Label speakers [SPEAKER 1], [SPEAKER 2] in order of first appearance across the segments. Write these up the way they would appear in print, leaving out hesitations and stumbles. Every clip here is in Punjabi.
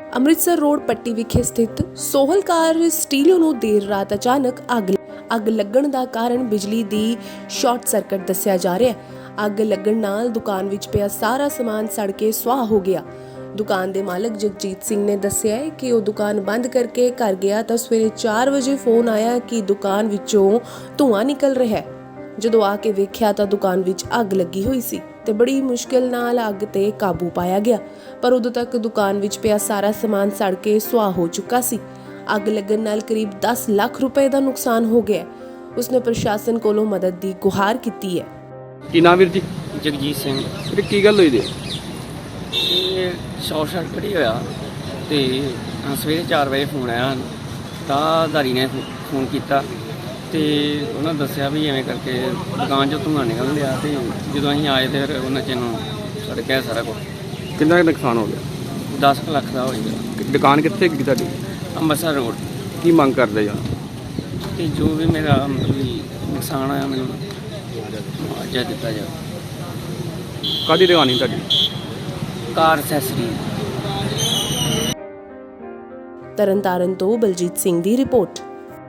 [SPEAKER 1] ਅੰਮ੍ਰਿਤਸਰ ਰੋਡ ਪੱਟੀ ਵਿਖੇ ਸਥਿਤ ਸੋਹਲ ਕਾਰ ਸਟੀਰੀਓ ਨੂੰ ਦੇਰ ਰਾਤ ਅਚਾਨਕ ਅੱਗ ਲੱਗਣ ਦਾ ਕਾਰਨ ਬਿਜਲੀ ਦੀ ਸ਼ਾਰਟ ਸਰਕਟ ਦੱਸਿਆ ਜਾ ਰਿਹਾ ਹੈ। ਅੱਗ ਲੱਗਣ ਨਾਲ ਦੁਕਾਨ ਵਿੱਚ ਪਿਆ ਸਾਰਾ ਸਮਾਨ ਸੜ ਕੇ ਸੁਆਹ ਹੋ ਗਿਆ। ਦੁਕਾਨ ਦੇ ਮਾਲਕ ਜਗਜੀਤ ਸਿੰਘ ਨੇ ਦੱਸਿਆ ਹੈ ਕਿ ਉਹ ਦੁਕਾਨ ਬੰਦ ਕਰਕੇ ਘਰ ਗਿਆ ਤਾਂ ਸਵੇਰੇ 4 ਵਜੇ ਫੋਨ ਆਇਆ ਕਿ ਦੁਕਾਨ ਵਿੱਚੋਂ ਧੂੰਆਂ ਨਿਕਲ ਰਿਹਾ ਹੈ। ਜਦੋਂ ਆ ਕੇ ਵੇਖਿਆ ਤਾਂ ਦੁਕਾਨ ਵਿੱਚ ਅੱਗ ਲੱਗੀ ਹੋਈ ਸੀ ਤੇ ਬੜੀ ਮੁਸ਼ਕਿਲ ਨਾਲ ਅੱਗ ਤੇ ਕਾਬੂ ਪਾਇਆ ਗਿਆ, ਪਰ ਉਦੋਂ ਤੱਕ ਦੁਕਾਨ ਵਿੱਚ ਪਿਆ ਸਾਰਾ ਸਮਾਨ ਸੜ ਕੇ ਸੁਆਹ ਹੋ ਚੁੱਕਾ ਸੀ। ਅੱਗ ਲੱਗਣ ਨਾਲ ਕਰੀਬ 10 ਲੱਖ ਰੁਪਏ ਦਾ ਨੁਕਸਾਨ ਹੋ ਗਿਆ। ਉਸਨੇ ਪ੍ਰਸ਼ਾਸਨ ਕੋਲੋਂ ਮਦਦ ਦੀ ਗੁਹਾਰ ਕੀਤੀ ਹੈ।
[SPEAKER 2] ਕੀ ਨਾਮ ਵੀਰ ਜੀ?
[SPEAKER 3] ਜਗਜੀਤ ਸਿੰਘ।
[SPEAKER 2] ਵੀਰ ਕੀ ਗੱਲ ਹੋਈ ਦੇ?
[SPEAKER 3] ਇਹ ਸ਼ਾਰਟ ਸਰਕਟ ਹੀ ਹੋਇਆ ਤੇ ਸਵੇਰੇ 4 ਵਜੇ ਫੋਨ ਆਇਆ ਤਾਂ ਧਾਰੀ ਨੇ ਫੋਨ ਕੀਤਾ ਤੇ ਉਹਨਾਂ ਦੱਸਿਆ ਵੀ ਐਵੇਂ ਕਰਕੇ ਦੁਕਾਨ 'ਚੋਂ ਧੂੰਆਂ ਨਿਕਲ ਰਿਹਾ ਤੇ ਜਦੋਂ ਅਸੀਂ ਆਏ ਤੇ ਫਿਰ ਉਹਨਾਂ 'ਚ ਨੂੰ ਸੜ ਗਿਆ ਸਾਰਾ ਕੁਝ।
[SPEAKER 2] ਕਿੰਨਾ ਕੁ ਨੁਕਸਾਨ ਹੋ ਗਿਆ?
[SPEAKER 3] 10 ਲੱਖ ਦਾ ਹੋ ਗਿਆ।
[SPEAKER 2] ਦੁਕਾਨ ਕਿੱਥੇ ਹੈਗੀ ਤੁਹਾਡੀ?
[SPEAKER 3] ਅੰਮ੍ਰਿਤਸਰ ਰੋਡ।
[SPEAKER 2] ਕੀ ਮੰਗ ਕਰਦੇ ਜਾਂ?
[SPEAKER 3] ਤੇ ਜੋ ਵੀ ਮੇਰਾ ਮਤਲਬ ਵੀ ਨੁਕਸਾਨ ਆਇਆ ਮੈਨੂੰ ਮੁਆਵਜ਼ਾ ਦਿੱਤਾ ਜਾਵੇ।
[SPEAKER 2] ਕਾਹਦੀ ਦੁਕਾਨ ਸੀ ਤੁਹਾਡੀ?
[SPEAKER 3] ਕਾਰ ਐਕਸੈਸਰੀ।
[SPEAKER 1] ਤਰਨਤਾਰਨ ਤੋਂ ਬਲਜੀਤ ਸਿੰਘ ਦੀ ਰਿਪੋਰਟ।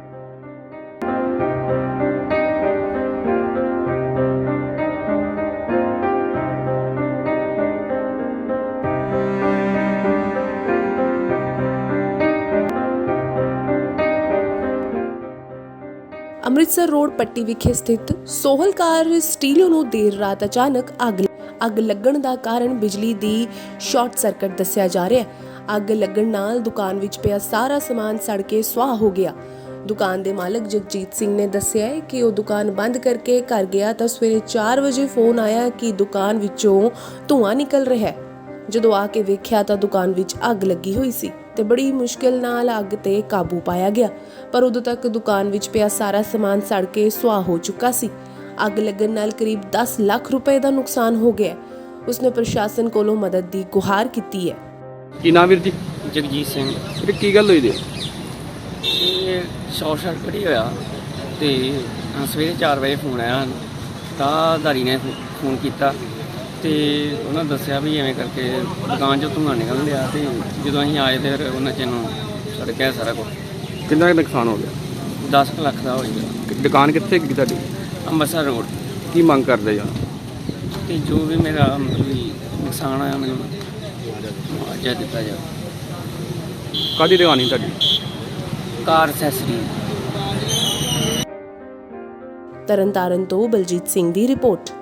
[SPEAKER 1] ਅੰਮ੍ਰਿਤਸਰ ਰੋਡ ਪੱਟੀ ਵਿਖੇ ਸਥਿਤ ਸੋਹਲ ਕਾਰ ਸਟੀਰੀਓ ਨੂੰ ਦੇਰ ਰਾਤ ਅਚਾਨਕ ਅੱਗ ਲੱਗਣ ਦਾ ਕਾਰਨ ਬਿਜਲੀ ਦੀ ਸ਼ਾਰਟ ਸਰਕਟ ਦੱਸਿਆ ਜਾ ਰਿਹਾ ਹੈ। ਅੱਗ ਲੱਗਣ ਨਾਲ ਦੁਕਾਨ ਵਿੱਚ ਪਿਆ ਸਾਰਾ ਸਮਾਨ ਸੜ ਕੇ ਸੁਆਹ ਹੋ ਗਿਆ। ਦੁਕਾਨ ਦੇ ਮਾਲਕ ਜਗਜੀਤ ਸਿੰਘ ਨੇ ਦੱਸਿਆ ਹੈ ਕਿ ਉਹ ਦੁਕਾਨ ਬੰਦ ਕਰਕੇ ਘਰ ਗਿਆ ਤਾਂ ਸਵੇਰੇ 4 ਵਜੇ ਫੋਨ ਆਇਆ ਕਿ ਦੁਕਾਨ ਵਿੱਚੋਂ ਧੂੰਆਂ ਨਿਕਲ ਰਿਹਾ ਹੈ। ਜਦੋਂ ਆ ਕੇ ਵੇਖਿਆ ਤਾਂ ਦੁਕਾਨ ਵਿੱਚ ਅੱਗ ਲੱਗੀ ਹੋਈ ਸੀ ਤੇ ਬੜੀ ਮੁਸ਼ਕਿਲ ਨਾਲ ਅੱਗ ਤੇ ਕਾਬੂ ਪਾਇਆ ਗਿਆ, ਪਰ ਉਦੋਂ ਤੱਕ ਦੁਕਾਨ ਵਿੱਚ ਪਿਆ ਸਾਰਾ ਸਮਾਨ ਸੜ ਕੇ ਸੁਆਹ ਹੋ ਚੁੱਕਾ ਸੀ। ਅੱਗ ਲੱਗਣ ਨਾਲ ਕਰੀਬ 10 ਲੱਖ ਰੁਪਏ ਦਾ ਨੁਕਸਾਨ ਹੋ ਗਿਆ। ਉਸਨੇ ਪ੍ਰਸ਼ਾਸਨ ਕੋਲੋਂ ਮਦਦ ਦੀ ਗੁਹਾਰ ਕੀਤੀ ਹੈ।
[SPEAKER 2] ਕੀ ਨਾਮ ਵੀਰ ਜੀ?
[SPEAKER 3] ਜਗਜੀਤ ਸਿੰਘ।
[SPEAKER 2] ਵੀਰ ਕੀ ਗੱਲ ਹੋਈ ਦੇ?
[SPEAKER 3] ਇਹ ਸ਼ਾਰਟ ਸਰਕਟ ਹੀ ਹੋਇਆ ਤੇ ਸਵੇਰੇ 4 ਵਜੇ ਫੋਨ ਆਇਆ ਤਾਂ ਧਾਰੀ ਨੇ ਫੋਨ ਕੀਤਾ ਤੇ ਉਹਨਾਂ ਦੱਸਿਆ ਵੀ ਐਵੇਂ ਕਰਕੇ ਦੁਕਾਨ 'ਚੋਂ ਧੂੰਆਂ ਨਿਕਲ ਰਿਹਾ ਤੇ ਜਦੋਂ ਅਸੀਂ ਆਏ ਤੇ ਫਿਰ ਉਹਨਾਂ 'ਚ ਨੂੰ ਸੜ ਗਿਆ ਸਾਰਾ ਕੁਝ।
[SPEAKER 2] ਕਿੰਨਾ ਕੁ ਨੁਕਸਾਨ ਹੋ ਗਿਆ?
[SPEAKER 3] 10 ਲੱਖ ਦਾ ਹੋ ਗਿਆ।
[SPEAKER 2] ਦੁਕਾਨ ਕਿੱਥੇ ਹੈਗੀ ਤੁਹਾਡੀ?
[SPEAKER 3] ਅੰਮ੍ਰਿਤਸਰ ਰੋਡ।
[SPEAKER 2] ਕੀ ਮੰਗ ਕਰਦੇ ਜਾਂ?
[SPEAKER 3] ਤੇ ਜੋ ਵੀ ਮੇਰਾ ਮਤਲਬ ਵੀ ਨੁਕਸਾਨ ਆਇਆ ਮੈਨੂੰ ਮੁਆਵਜ਼ਾ ਦਿੱਤਾ ਜਾਵੇ।
[SPEAKER 2] ਕਾਹਦੀ ਦੁਕਾਨ ਸੀ ਤੁਹਾਡੀ?
[SPEAKER 3] ਕਾਰ ਐਕਸੈਸਰੀ।
[SPEAKER 1] ਤਰਨਤਾਰਨ ਤੋਂ ਬਲਜੀਤ ਸਿੰਘ ਦੀ ਰਿਪੋਰਟ।